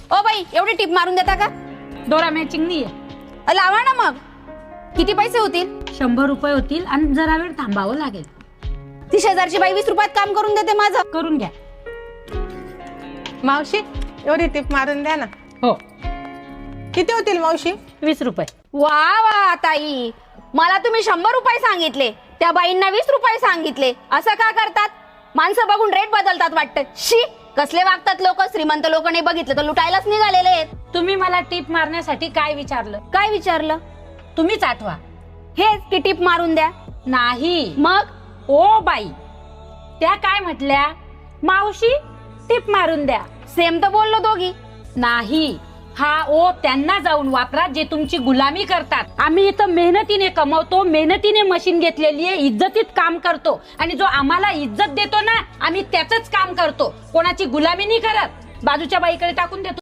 O by, एवढी tip मारून देता का? दोरा मॅचिंग नाहीये. लावा ना मग. किती पैसे होतील? 100 रुपये होतील आणि जरा वेळ थांबावं लागेल. 30,000ची बाई 20 रुपयात काम करून देते माझं. करून घ्या. मावशी एवढी टिप मारून द्या ना. हो. किती होतील मावशी? 20 रुपये. वा वा ताई, मला तुम्ही 100 रुपये सांगितले, त्या बाईंना 20 रुपये सांगितले. असं का करतात? माणसं बघून रेट बदलतात वाटतं. शी, कसले वागतात लोक. श्रीमंत लोक नाही बघितलं तर लुटायलाच निघालेले आहेत. तुम्ही मला टिप मारण्यासाठी काय विचारलं? काय विचारलं? तुम्हीच आठवा. हेच की टिप मारून द्या. नाही. मग ओ बाई, त्या काय म्हटल्या? मावशी टिप मारून द्या. सेम तर बोललो दोघी. नाही, हा ओ त्यांना जाऊन वापरा जे तुमची गुलामी करतात. आम्ही इथं मेहनतीने कमवतो, मेहनतीने मशीन घेतलेली आहे, इज्जतीत काम करतो आणि जो आम्हाला इज्जत देतो ना, आम्ही त्याच काम करतो. कोणाची गुलामी नाही करत. बाजूच्या बाईकडे टाकून देतो.